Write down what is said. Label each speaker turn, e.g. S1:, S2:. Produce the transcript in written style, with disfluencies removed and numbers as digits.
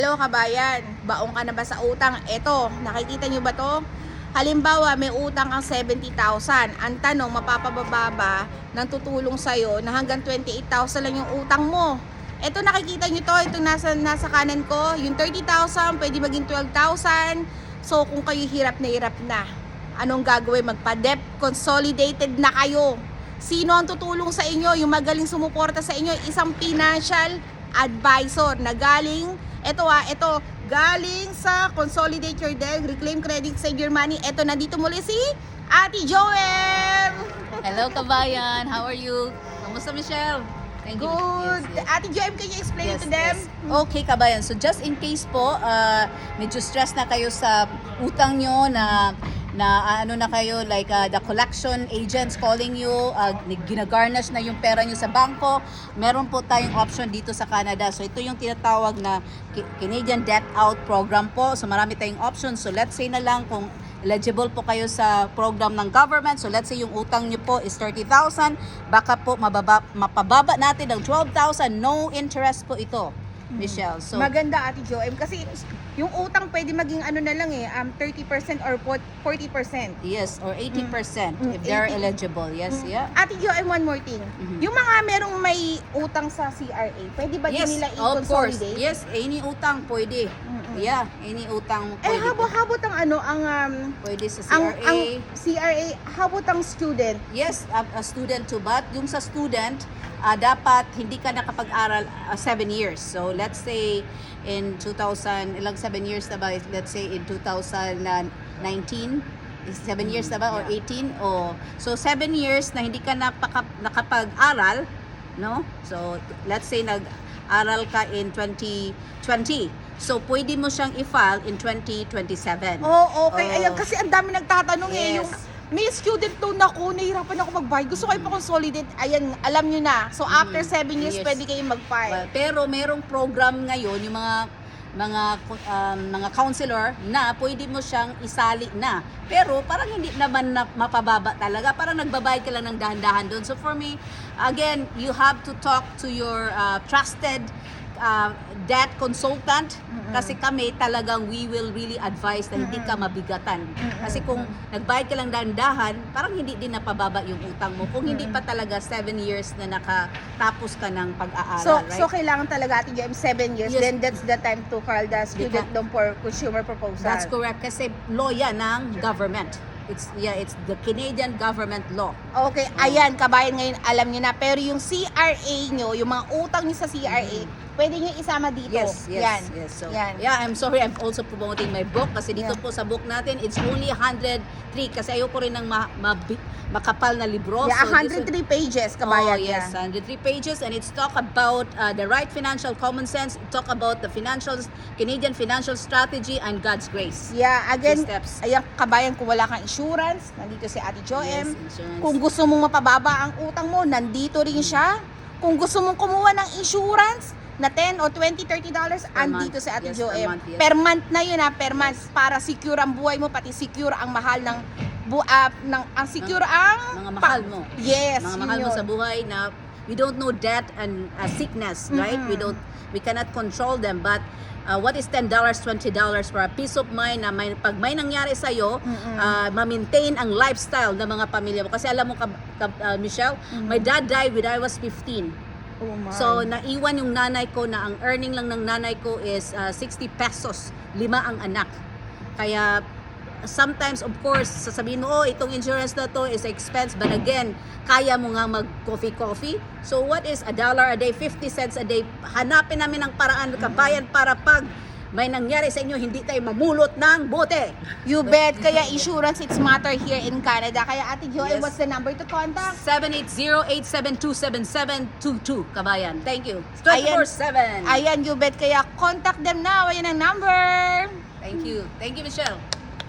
S1: Hello kabayan, baong ka na ba sa utang? Eto, nakikita nyo ba to? Halimbawa, may utang kang 70,000. Ang tanong, mapapababa ba ng tutulong sa'yo na hanggang 28,000 lang yung utang mo? Eto, nakikita nyo to, itong nasa kanan ko, yung 30,000, pwede maging 12,000. So, kung kayo hirap na, anong gagawin? Magpa-debt consolidated na kayo. Sino ang tutulong sa inyo? Yung magaling sumuporta sa inyo, isang financial advisor na galing galing sa Consolidate Your Debt, Reclaim Credit, Save Your Money. Ito, nandito muli si Ate Joem.
S2: Hello kabayan, how are you? Kamusta Michelle? Thank you.
S1: Good.
S2: Yes.
S1: Ate Joem, can you explain
S2: Yes,
S1: to them?
S2: yes. Okay kabayan, so just in case po, medyo stress na kayo sa utang nyo na ano na kayo, like the collection agents calling you, ginagarnish na yung pera nyo sa bangko, meron po tayong option dito sa Canada. So ito yung tinatawag na Canadian Debt Out Program po. So marami tayong options. So let's say na lang kung eligible po kayo sa program ng government. So let's say yung utang nyo po is 30,000, baka po mapababa natin ng 12,000. No interest po ito, Michelle. So
S1: Maganda, Ate Joem, kasi yung utang pwede maging ano na lang 30% or 40%.
S2: yes, or 80% if they're
S1: 80.
S2: eligible. Yes, yeah.
S1: Ate Joem, one more thing. Yung mga merong may utang sa CRA, pwede ba din nila
S2: of course.
S1: i-consolidate?
S2: Yes, any utang pwede. Yeah, any utang pwede.
S1: Habot
S2: Pwede sa
S1: ang
S2: CRA.
S1: CRA, habot ang student.
S2: Yes, a student too, but yung sa student, dapat hindi ka nakapag-aral 7 years. So let's say in 2000, ilang 7 years na ba? Let's say in 2019, is 7 years na ba or 18? Oh, so 7 years na hindi ka nakapag-aral, no? So let's say nag-aral ka in 2020. So pwede mo siyang i-file in 2027.
S1: Oh, okay.
S2: Oh.
S1: Ayan, kasi ang dami nagtatanong
S2: Yes.
S1: yung may student loan ako, nahihirapan ako mag-buy. Gusto ko ipa-consolidate. Ayan, alam nyo na. So after 7 years,
S2: Yes.
S1: pwede kayong mag-file.
S2: Pero merong program ngayon yung mga counselor na pwede mo siyang isali na. Pero parang hindi naman na mapababa talaga. Parang nagbabayad ka lang ng dahan-dahan doon. So for me, again, you have to talk to your trusted debt consultant, kasi kami talagang we will really advise na hindi ka mabigatan. Kasi kung nagbayad ka lang dahan-dahan, parang hindi din napababa yung utang mo. Kung hindi pa talaga 7 years na nakatapos ka ng pag-aaral,
S1: So,
S2: right?
S1: so kailangan talaga ating game 7 years.
S2: Yes.
S1: Then that's the time to file the student loan for consumer proposal.
S2: That's correct, kasi law yan ng government. It's the Canadian government law.
S1: Okay, ayan, kabayan ngayon, alam niyo na. Pero yung CRA nyo, yung mga utang niyo sa CRA, pwede nyo isama dito.
S2: Yes. So,
S1: Yan.
S2: yeah, I'm sorry, I'm also promoting my book kasi dito po sa book natin, it's only 103 kasi ayoko rin ng makapal na libro.
S1: Yeah,
S2: So, this
S1: 103 pages, kabayan.
S2: Oh, yes, 103 pages, and it's talk about the right financial common sense, talk about the Canadian financial strategy and God's grace.
S1: Yeah, again,
S2: Steps.
S1: ayan, kabayan, kung wala kang insurance, nandito si Ate Joem.
S2: Yes, insurance.
S1: Kung gusto mong mapababa ang utang mo, nandito rin siya. Kung gusto mong kumuha ng insurance na 10 o 20, $30, andito si Ate
S2: Yes,
S1: Joem.
S2: per month, yes.
S1: Per month na yun per month, para secure ang buhay mo, pati secure ang mahal ng secure ang
S2: Mga mahal mo.
S1: Yes,
S2: Mga
S1: yun
S2: mahal mo
S1: yun.
S2: sa buhay na we don't know death and sickness, right? We cannot control them, but what is $10, $20 for a peace of mind na pag may nangyari sa iyo, ma-maintain ang lifestyle ng mga pamilya mo. Kasi alam mo, Michelle, my dad died when I was 15.
S1: Oh my.
S2: So, naiwan yung nanay ko na ang earning lang ng nanay ko is 60 pesos. 5 ang anak. Kaya, sometimes, of course, sasabihin mo, oh, itong insurance na to is expense. But again, kaya mo nga mag-coffee. So, what is $1 a day, 50 cents a day? Hanapin namin ang paraan, kabayan, para pag may nangyari sa inyo, hindi tayo mamulot ng bote.
S1: You bet. Kaya insurance, it's matter here in Canada. Kaya Ate Joem,
S2: Yes.
S1: what's the number to contact?
S2: 780-872-7722, kabayan. Thank you.
S1: Ayan.
S2: 24/7.
S1: Ayan, you bet. Kaya contact them now. Ayan ang number.
S2: Thank you. Thank you, Michelle.